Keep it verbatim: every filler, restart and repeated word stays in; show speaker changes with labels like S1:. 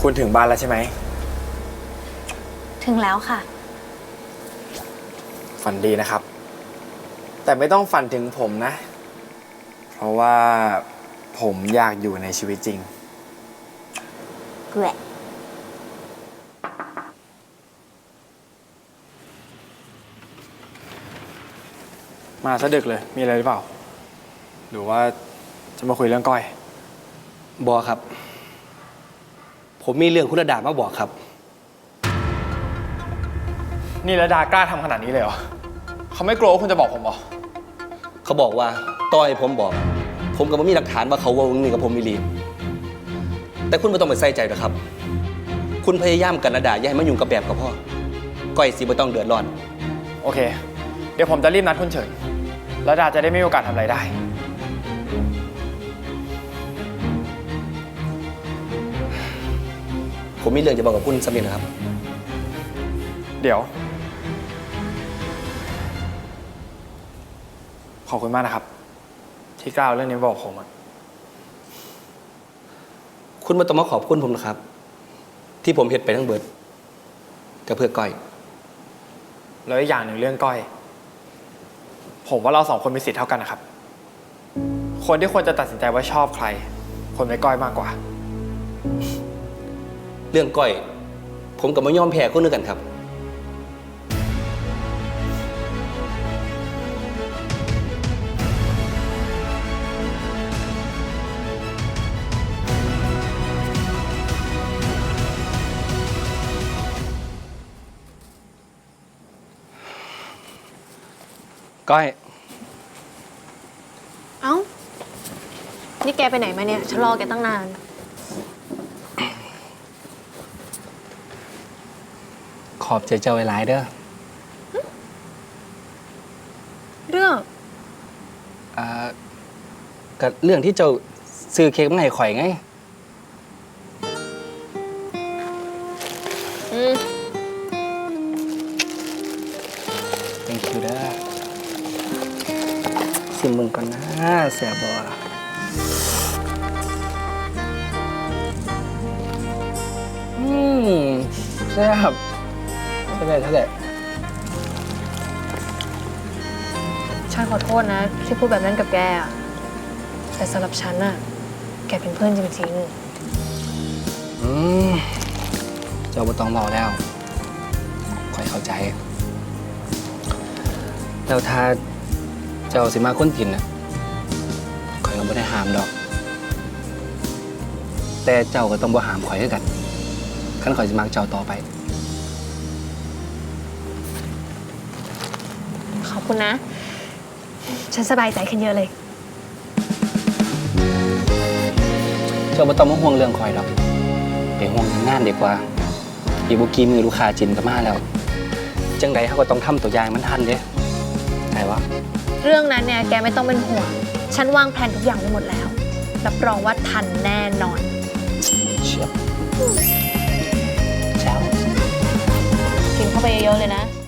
S1: คุณถึงบ้านแล้วใช่ไหม
S2: ถึงแล้วค่ะ
S1: ฝันดีนะครับ แต่ไม่ต้องฝันถึงผมนะ เพราะว่าผมอยากอยู่ในชีวิตจริง
S2: เกลือ
S1: มาซะดึกเลย มีอะไรหรือเปล่า หรือว่าจะมาคุยเรื่องก้อย
S3: บอครับ ผมมีเรื่องคุณระดามาบอกครับ
S1: นี่ระดากล้าทำขนาดนี้เลยเหรอเขาไม่กลัวว่าคุณจะบอกผมเหรอ
S3: เขาบอกว่าต้อยผมบอก ผมก็ไม่มีหลักฐานว่าเขาว่ามึงนี่กับผมมิลีแต่คุณไม่ต้องไปใส่ใจหรอกครับ คุณพยายามกันระดาอย่าให้มายุ่งกับแบบกับพ่อก้อยสิไม่ต้องเดือดร้อน
S1: โอเค เดี๋ยวผมจะรีบนัดคุณเฉินระดาจะได้ไม่มีโอกาสทำอะไรได้
S3: ผมมีเรื่องจะบอกกับคุณสักนิดนะครับ
S1: เดี๋ยวขอบคุณมากนะครับที่กล้าเอาเรื่องนี้บอกผมอะ
S3: คุณมาต้องมาขอบคุณผมนะครับที่ผมเห็นไปทั้งเบิดกับเพื่อก้อย
S1: แล้วอีกอย่างหนึ่งเรื่องก้อยผมว่าเราสองคนมีสิทธิ์เท่ากันนะครับคนที่ควรจะตัดสินใจว่าชอบใครคนไม่ก้อยมากกว่า
S3: เรื่องก้อยผมกับไม่ยอมแพ้คนนึงกันครับก้อย
S2: เอ้านี่แกไปไหนมาเนี่ยฉันรอแกตั้งนาน
S3: ขอบใจเจ้าหลายเด้อ
S2: เรื่อง
S3: อ่าก็เรื่องที่เจ้าซื้อเค้กมาให้ข่อยไง
S2: อืม
S3: thank you เด้อสิมึงก่อนนะเสียบออืมแซ่บเท่าไหร่เท่าไหร่
S2: ฉันขอโทษนะที่พูดแบบนั้นกับแกอะแต่สำหรับฉันน่ะแกเป็นเพื่อนจริง
S3: ๆอืมเจ้าบ่ต้องบอกแล้วค่อยเข้าใจแล้วถ้าเจ้าสิมาค้นกินน่ะข่อยก็ไม่ได้ห้ามดอกแต่เจ้าก็ต้องบ่ห้ามข่อยด้วยกันคันข่อยสิมักเจ้าต่อไป
S2: ขอบคุณนะฉันสบายใจขึ้นเยอะเลย
S3: เจ้าไม่ต้องมาห่วงเรื่องข่อยดอกไปห่วงงานดีกว่าอีบุกี้มือลูกค้าจินก็มาแล้วจังใดเขาก็ต้องทำตัวอย่างมันทันเด้ไงวะ
S2: เรื่องนั้นเนี่ยแกไม่ต้องเป็นห่วงฉันวางแผนทุกอย่างไว้หมดแล้วรับรองว่าทันแน่นอน
S3: เชียบเช้า
S2: กินเข้าไปเยอะๆเลยนะ